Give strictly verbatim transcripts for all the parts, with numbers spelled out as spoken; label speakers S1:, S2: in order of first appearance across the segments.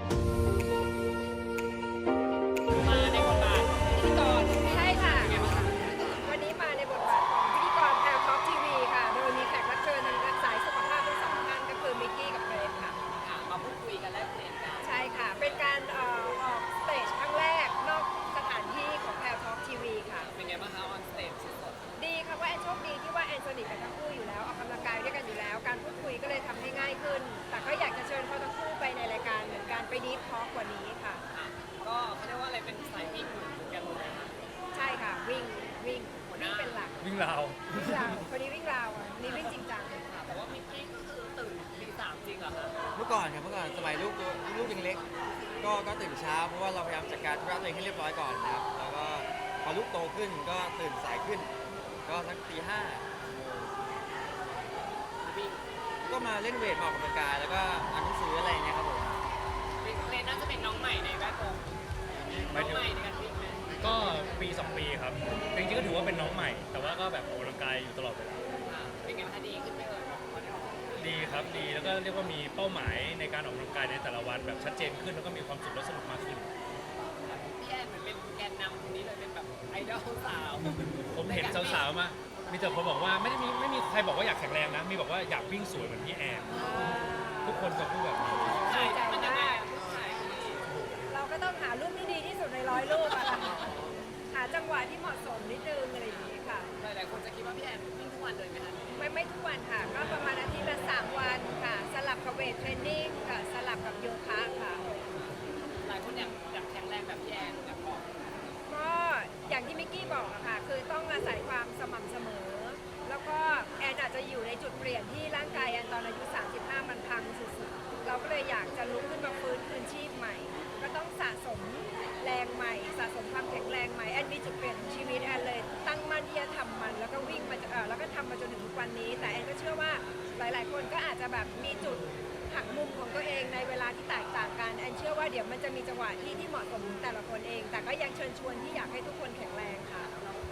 S1: มาในบทบาทพิธีกร
S2: ใช่ค่ะ
S1: เป็นไงบ้างคะ
S2: วันนี้มาในบทบาทของพิธีกรแพลท็อปทีวีค่ะ โดยมีแขกรับเชิญทางสายสุขภาพทั้งสองท่านก็คือมิกกี้กับเกรซค่ะ
S1: ค่ะมาพูดคุยกันแลกเปลี่ยนกัน
S2: ใช่ค่ะ เป็นการเอ่อออกสเตจครั้งแรกนอกสถานที่ของแพลท็อปทีวีค่ะ
S1: เป็นไงบ้างคะออนสเตจสด
S2: ดีค่ะว่าแอนโชคดีที่ว่าแอนสนิทกับทั้งคู่อยู่แล้วออกกำลังกายด้วยกันอยู่แล้ว การพูดคุยก็เลยทำให้ง่ายขึ้น แต่ก็อยากจะเชิญเขาทั้งคู่ไปในรายการเหมือนกันไปดีทอล์กกว่านี้ค่ะ
S1: ๆค่ะก็เขาเรียกว่าอะไรเป็นสายวิ่งเหมือนกันเลยนะคะ
S2: ใช่ค่ะวิ่งวิ่ง
S1: หัวห
S2: วิ่
S1: น้า
S2: งเป็นหลัก
S3: วิ่งราว
S2: วิ่งราวคนนี้วิ่งราวอ่ะคนนี้วิ่งจริงจัง
S1: ค่ะแต่ว่ามิกกี้ก็คือตื่นตีสามจริงเหรอคะ
S4: เมื่อก่อนครับเมื่อก่อนสมัยลูกตัวลูกยังเล็กก็ก็ตื่นเช้าเพราะว่าเราพยายามจัดการธุระตัวเองให้เรียบร้อยก่อนนะครับแล้วก็พอลูกโตขึ้นก็ตื่นสายขึ้น ก็สักตีห้า
S1: วิ่ง
S4: ก็มาเล่นเวทมาออกกำลังกายแล้วก็อ่านหนังสืออะไรอย่างเงี้ยครับผม
S1: เลนน่าจะเป็นน้องใหม่ในแวดวงน้องใหม่ในการวิ่งไหม
S3: ก็ปีสองปีครับจริงๆก็ถือว่าเป็นน้องใหม่ แต่ว่าก็แบบออกกำลังกายอยู่ตลอดเวลา
S1: ค่ะเป็นไงบ้างคะดีขึ้นไหมเอ่ยพอได้ออก
S3: ดีครับดีแล้วก็เรียกว่ามีเป้าหมายในการออกกำลังกายในแต่ละวันแบบชัดเจนขึ้นแล้วก็มีความสุขและสนุกมากขึ้น
S1: พี่แอนเหมือนเป็นแกนนำคนนี้เลยเป็นแบบไอดอลสาว
S3: ผมเห็นสาวๆมา มีแต่คนบอกว่าไม่ได้มีไม่มีใครบอกว่าอยากแข็งแรงนะ มีบอกว่าอยากวิ่งสวยเหมือนพี่แอน ทุกคนจะพูดแบบนี้
S1: ใช่มันยังไงใช่พี่
S2: เราก็ต้องหารูปที่ดีที่สุดในร้อยรูปอะค่ะหาจังหวะที่เหมาะสมนิดนึงอะไรอย่างนี้ค่ะ
S1: หลายๆคนจะคิดว่าพี่แอนวิ่งทุกวันเลยไหมคะ
S2: ไม่ไม่ทุกวันค่ะ ก็ประมาณอาทิตย์ละสามวันค่ะ สลับกับเวทเทรนนิ่งค่ะ สลับกับโยคะค่ะ
S1: หลายคนอยากอยากแข็งแรงแบบพี่แอนอยากบอก
S2: ก็อย่างที่มิกกี้บอกอะค่ะ คือต้องอาศัยความสม่ำเสมอ แล้วก็แอนอาจจะอยู่ในจุดเปลี่ยนที่ร่างกายแอนตอนอายุ สามสิบห้า มันพังสุดๆ เราก็เลยอยากจะลุกขึ้นมาฟื้นคืนชีพใหม่ ก็ต้องสะสมแรงใหม่ สะสมความแข็งแรงใหม่ แอนมีจุดเปลี่ยนของชีวิตแอนเลย ตั้งมั่นที่จะทำมัน แล้วก็วิ่งมาเออแล้วก็ทำมาจนถึงทุกวันนี้ แต่แอนก็เชื่อว่าหลายๆ คนก็อาจจะแบบมีจุดหักมุมของตัวเองในเวลาที่แตกต่างกัน แอนเชื่อว่าเดี๋ยวมันจะมีจังหวะที่ที่เหมาะสมของแต่ละคนเอง แต่ก็ยังเชิญชวนที่อยากให้ทุกคนแข็งแรงค่ะ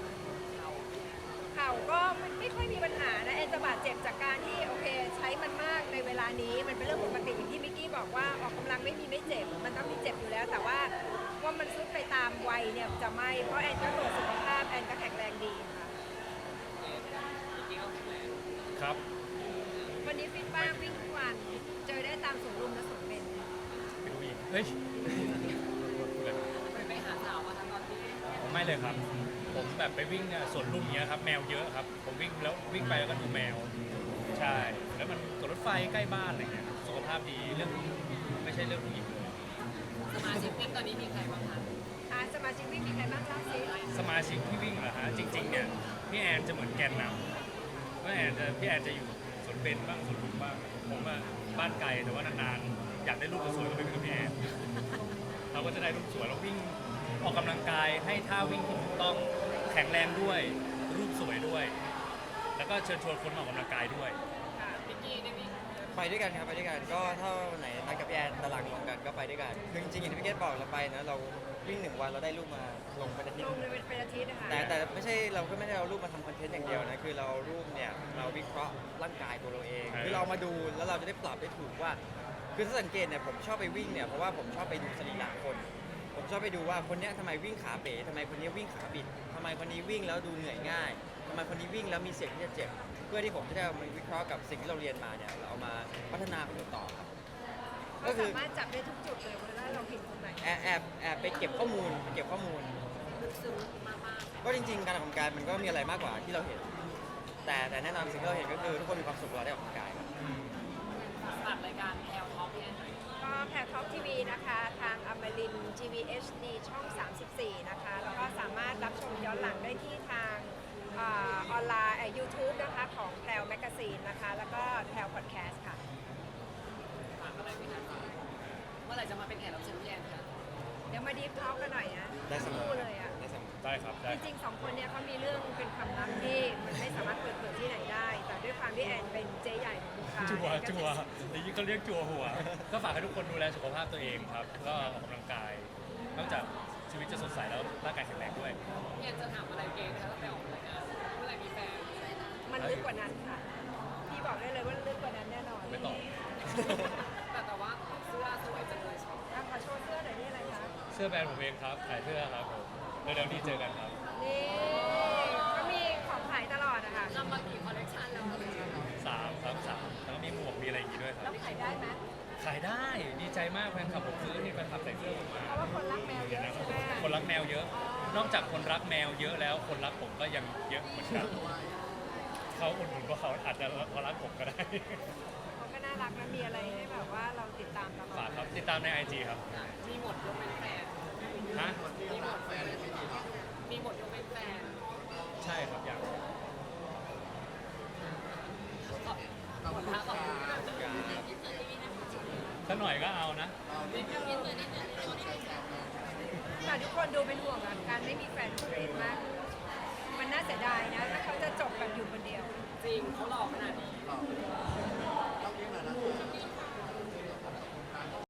S2: เข่าก็ไม่ไม่ค่อยมีปัญหานะแอนจะบาดเจ็บจากการที่โอเคใช้มันมากในเวลานี้มันเป็นเรื่องปกติอย่างที่มิกกี้บอกว่าออกกำลังไม่มีไม่เจ็บมันต้องมีเจ็บอยู่แล้ว แต่ว่าว่ามันซุดไปตามวัยเนี่ยจะไม่เพราะแอนก็ตรวจสุขภาพแอนก็แข็งแรงดีค่ะ
S1: จริงๆก็แข็งแรง
S3: ครับ
S2: วันนี้ฟิตบ้างวิ่งทุกวันเจอได้ตามสวนลุมและสวนเบญ
S3: เป็นผู้หญิงเฮ้ยพูดเลย
S1: ไปไปหาสาวมาทั้งตอนที่
S3: ผมไม่เลยครับ ผมแบบไปวิ่งเนี่ยสวนลุมเนี้ยครับแมวเยอะครับ ผมวิ่งแล้ววิ่งไปแล้วก็ดูแมว ใช่ แล้วมันสวนรถไฟใกล้บ้านอะไรเงี้ยสุขภาพดีเรื่องไม่ใช่เรื่องผู้หญิงเลย
S1: สมาชิกวิ่งตอนนี้มีใครบ้างคะ
S2: อาสมาชิกวิ่งมีใครบ้างเล่าสิ
S3: สมาชิกที่วิ่งเหรอฮะจริงๆเนี่ยพี่แอนจะเหมือนแกนนำพี่แอนจะพี่แอนจะอยู่สวนเบญบ้างสวนลุมบ้างผมอะบ้านไกลแต่ว่านานๆอยากได้รูปสวยๆก็ไปวิ่งกับพี่แอนเราก็จะได้รูปสวยเราวิ่งออกกำลังกายให้ท่าวิ่งที่ถูกต้องแข็งแรงด้วยรูปสวยด้วย แล้วก็เชิญชวนคนมาออกกำลังกายด้วย
S2: ค่ะ
S1: พิกกี้ได้วิ่ง
S4: ไปด้วยกันครับไปด้วยกันก็ถ้าวันไหนนัดกับพี่แอนตารางตรงกันก็ไปด้วยกันคือจริงๆอย่างที่พี่เกดบอกเราไปนะเราวิ่งหนึ่งวันเราได้รูปมาลงเป็นอาทิต
S2: ล
S4: ย์
S2: งเลยเป็นเป็นอาทิตย์นะคะ
S4: แต่แต่ไม่ใช่เราก็ไม่ได้เอารูปมาทำคอนเทนต์อย่างเดียวนะคือเราเอารูปเนี่ยเราวิเคราะห์ร่างกายตัวเราเอง
S3: เออ
S4: คือเรามาดูแล้วเราจะได้ปรับได้ถูกว่า คือถ้าสังเกตเนี่ยผมชอบไปวิ่งเนี่ยเพราะว่าผมชอบไปดูสรีระคน ผมชอบไปดูว่าคนเนี้ยทำไมวิ่งขาเป๋ทำไมคนนี้วิ่งขาบิดทำไมคนนี้วิ่งแล้วดูเหนื่อยง่ายทำไมคนนี้วิ่งแล้วมีเสี่ยงที่จะเจ็บ เพื่อที่ผมจะได้เอามาวิเคราะห์กับสิ่งที่เราเรียนมาเนี่ยเราเอามาพัฒนาของต่อครับ
S2: ก็
S4: ก็คือ
S2: สามารถจับได้ทุกจุดเลยว่าเราผิดตรงไหน
S4: แอบแอบแอบไปเก็บข้อมูลไปเก็บข้อมูล
S1: ลึกซึ้งมาก
S4: ก็จริงๆ การออกกำลังกายมันก็มีอะไรมากกว่าที่เราเห็น แต่แต่แน่นอนสิ่งที่เราเห็นก็คือทุกคนมีความสุขเวลาได้ออกกำลังกายครับ
S1: ๆฝากรายการแอลท็อปพี่แอนหน่อย
S2: ก็แพลท็อปทีวีนะคะ ทางอมรินทร์ จี วี เอช ดี ช่อง สามสิบสี่ นะคะ แล้วก็สามารถรับชมย้อนหลังได้ที่ทางเออออนไลน์ยูทูบนะคะ ของแพลวแมกกาซีนนะคะ แล้วก็แพลวพอดแคสต์ค่ะ
S1: ฝากอะไรไหมคะเมื่อไหร่จะมาเป็นแขกรับเชิญพี่แอนคะ
S2: เดี๋ยวมาดีฟทอล์กกันหน่อยนะ
S4: ได้เสมอ
S2: คู่เลยอ่ะ
S4: ได้เสมอ
S3: ได้ครับได้
S2: จริงๆสองคนเนี้ยเขามีเรื่องเป็นความลับที่มันไม่สามารถเปิดเผยที่ไหนได้ แต่ด้วยความที่แอนเป็นเจ๊ใหญ่ของวงการ
S3: จัว
S2: แอนก็
S3: จั
S2: จะ
S3: วอย่างนี้เขาเรียกจัวหัว ก็ฝากให้ทุกคนดูแลสุขภาพตัวเองครับ ก็ออกกำลังกาย นอกจากชีวิตจะสดใสแล้วร่างกายแข็งแรงด้วย
S1: พี่แอนจะถามอะไรเกย์นะคะตั้งแต่ออกรายการเมื่อไหร่มีแฟน
S2: มันลึกกว่านั้นค่ะ พี่บอกได้เลยว่าลึกกว่านั้นแน่นอน
S3: ไม่ตอบ
S1: แต่แต่ว่าเสื้อสวยจังเลยชอบ
S2: ถ้าขอ
S3: สื้อแบรนด์ผมเองครับขายเสื้อครับผมเร็วๆนี้เจอกันครับ
S2: นี่ก็มีของขายตลอดอะค่ะ
S1: ทำมากี่คอลเลคชันแล้วคะ
S3: สามครับสามแล้วก็มีหมวกมีอะไรอย่างงี้ด้วยค
S2: แล้
S3: รั
S2: ว
S3: บ
S2: ขายได้ไหม
S3: ขายได้ดีใจมากแฟนคลับผมซื้อที่แฟนคลับใส่เสื้อผมมา
S2: เพราะว่าคนรักแมวเยอะใช่ไหม
S3: คนรักแมวเยอะ นอกจากคนรักแมวเยอะแล้วคนรักผมก็ยังเยอะเหมือนกันเขาอุดหนุนเพราะเขาอาจจะเขารักผมก็ได้
S2: เขาก็น่ารักนะมีอะไรให้แบบว่าเราติดตามตลอ
S3: ฝา
S2: ด
S3: กครับติดตามใน ไอ จี ครับ
S1: มีหมดยกเป็นแฟน
S3: ฮะ
S1: มีหมดแฟนมีหมดยกเป็นแฟน
S3: ใช่ครับอยาก
S1: หมดท่าขอบคุณค่ะ
S3: ถ้าหน่อยก็เอานะ
S2: ค่ะทุกคนดูเป็นห่วงอะการไม่มีแฟนเกรดมาก มันน่าเสียดายนะถ้าเขาจะจบแบบอยู่คนเดียว
S1: จริงเขาหล่อขนาดนี้